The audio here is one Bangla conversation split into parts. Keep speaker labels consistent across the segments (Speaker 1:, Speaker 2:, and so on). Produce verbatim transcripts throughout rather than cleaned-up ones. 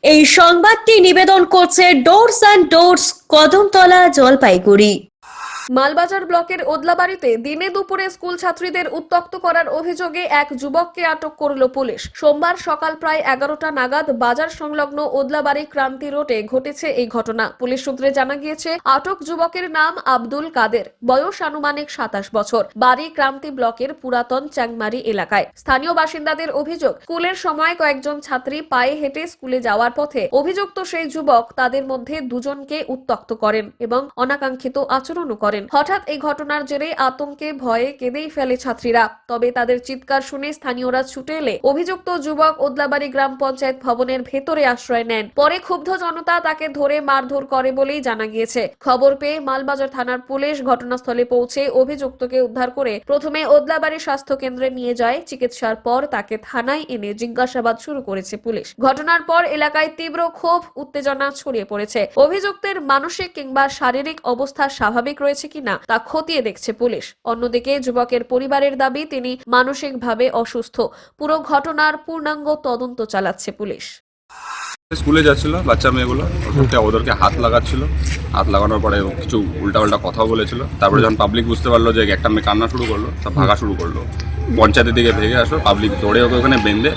Speaker 1: এই সংবাদটি নিবেদন করছে doors and doors, Kadamtala, Jalpaiguri.
Speaker 2: Malbazar ব্লকের ওদলাবাড়িতে দিনে দুপুরে স্কুল ছাত্রীদের উত্ত্যক্ত করার অভিযোগে এক যুবককে আটক করল পুলিশ। সোমবার সকাল প্রায় এগারোটা নাগাদ বাজার সংলগ্ন ওদলাবাড়ি ক্রান্তি রোডে ঘটেছে এই ঘটনা। পুলিশ সূত্রে জানা গিয়েছে, আটক যুবকের নাম আব্দুল কাদের, বয়স আনুমানিক সাতাশ বছর, বাড়ি ক্রান্তি ব্লকের পুরাতন চ্যাংমারি এলাকায়। স্থানীয় বাসিন্দাদের অভিযোগ, স্কুলের সময় কয়েকজন ছাত্রী পায়ে হেঁটে স্কুলে যাওয়ার পথে অভিযুক্ত সেই যুবক তাদের মধ্যে দুজনকে উত্ত্যক্ত করেন এবং অনাকাঙ্ক্ষিত আচরণও করেন। হঠাৎ এই ঘটনার জেরে আতঙ্কে ভয়ে কেঁদেই ফেলে ছাত্রীরা। তবে তাদের চিৎকার শুনে স্থানীয়রা ছুটে এলে অভিযুক্ত যুবক ওদলাবাড়ি গ্রাম পঞ্চায়েত ভবনের ভেতরে আশ্রয় নেন। পরে ক্ষুব্ধ জনতা তাকে ধরে মারধর করে বলেই জানা গিয়েছে। খবর পেয়ে মালবাজার থানার পুলিশ ঘটনাস্থলে পৌঁছে অভিযুক্তকে উদ্ধার করে প্রথমে ওদলাবাড়ি স্বাস্থ্য কেন্দ্রে নিয়ে যায়। চিকিৎসার পর তাকে থানায় এনে জিজ্ঞাসাবাদ শুরু করেছে পুলিশ। ঘটনার পর এলাকায় তীব্র ক্ষোভ উত্তেজনা ছড়িয়ে পড়েছে। অভিযুক্তের মানসিক কিংবা শারীরিক অবস্থা স্বাভাবিক রয়েছে কিনা তা খতিয়ে দেখছে পুলিশ। অন্যদিকে যুবকের পরিবারের দাবি তিনি মানসিকভাবে অসুস্থ। পুরো ঘটনার পূর্ণাঙ্গ তদন্ত চালাচ্ছে পুলিশ।
Speaker 3: স্কুলে যাচ্ছিল বাচ্চা মেয়েগুলো, ওদেরকে হাত লাগাচ্ছিল। হাত লাগানোর পরে কিছু উল্টা উল্টা কথাও বলেছিল। তারপরে যখন পাবলিক বুঝতে পারলো যে একটা মেয়ে কান্না শুরু করলো, সব ভাগা শুরু করলো। পঞ্চায়েতের দিকে ভেঙে আসলো, পাবলিক দৌড়ে ওকে ওখানে বেঁধে।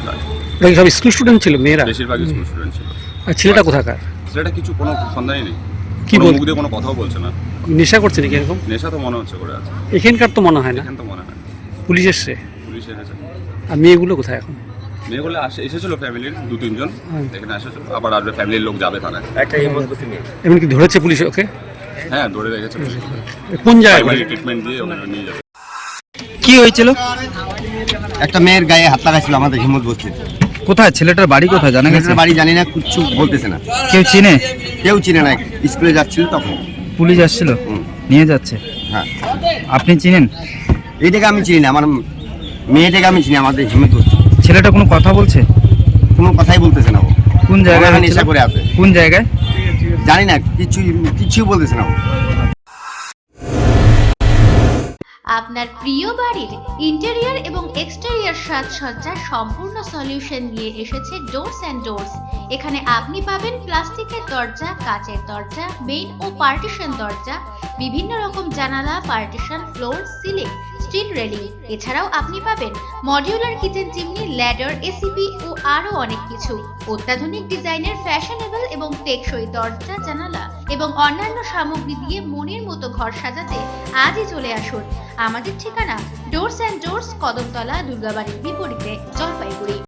Speaker 4: সব স্কুল স্টুডেন্ট ছিল, মেয়েরা
Speaker 3: বেশিরভাগ স্কুল স্টুডেন্ট ছিল।
Speaker 4: আর ছেলেটা কোথাকার?
Speaker 3: ছেলেটা কিছু কোনো সন্ধানই নেই,
Speaker 4: কি
Speaker 3: মুখ দিয়ে কোনো কথাও বলছে না।
Speaker 4: নেশা করছে নাকি এরকম?
Speaker 3: নেশা তো মনে হচ্ছে করে আছে।
Speaker 4: এখানকার তো মনে হয় না।
Speaker 3: এখান তো মনে হয়।
Speaker 4: পুলিশ এসছে?
Speaker 3: পুলিশ এসেছে।
Speaker 4: আর মেয়েগুলো কোথায় এখন?
Speaker 3: মেয়েগুলো আসে এসেছিল ফ্যামিলির দু তিনজন, এখানে এসেছিল। আবার আসবে, ফ্যামিলির লোক যাবে থানায়। একটা
Speaker 4: এমন কি ধরেছে পুলিশ ওকে?
Speaker 3: হ্যাঁ, ধরে রেখেছে।
Speaker 4: কোন জায়গায়
Speaker 3: ট্রিটমেন্ট দিয়ে ওখানে নিয়ে যাবে।
Speaker 4: কি হয়েছিল?
Speaker 5: একটা মেয়ের গায়ে হাত লাগাইছিল আমাদের হিম্মত বলছে।
Speaker 4: কোথায়? ছেলেটার বাড়ি কোথায় জানা গেছে?
Speaker 5: বাড়ি জানি না, কিচ্ছু বলতেছে না।
Speaker 4: কেউ চিনে?
Speaker 5: কেউ চিনে না। স্কুলে যাচ্ছিল তখন
Speaker 4: পুলিশ আসছিল, নিয়ে যাচ্ছে।
Speaker 5: হ্যাঁ,
Speaker 4: আপনি চিনেন?
Speaker 5: এইটাকে আমি চিনি না, আমার মেয়েটাকে আমি চিনি। আমাদের হিম্মত বলছে।
Speaker 4: ছেলেটা কোনো কথা বলছে?
Speaker 5: কোনো কথাই বলতেছে না। ও
Speaker 4: কোন জায়গায়
Speaker 5: নেশা করে আছে?
Speaker 4: কোন জায়গায়
Speaker 5: জানি না, কিছু কিছু বলতেছে না।
Speaker 6: আপনার প্রিয় বাড়ির ইন্টেরিয়র এবং এক্সটেরিয়র সাজসজ্জার সম্পূর্ণ সলিউশন নিয়ে এসেছে ডোরস অ্যান্ড ডোরস। এখানে আপনি পাবেন প্লাস্টিকের দরজা, কাচের দরজা, মেইন ও পার্টিশন দরজা, বিভিন্ন রকম জানালা, partition, floor, ceiling, steel railing. এছাড়াও আপনি পাবেন modular kitchen chimney, ladder, ACP ও আরো অনেক কিছু। অত্যাধুনিক ডিজাইনের ফ্যাশনেবল এবং টেকসই দরজা, জানালা এবং অন্যান্য সামগ্রী দিয়ে মনের মতো ঘর সাজাতে আজই চলে আসুন। আমাদের ঠিকানা ডোরস অ্যান্ড ডোরস, কদমতলা, দুর্গাবাড়ির বিপরীতে, জলপাইগুড়ি।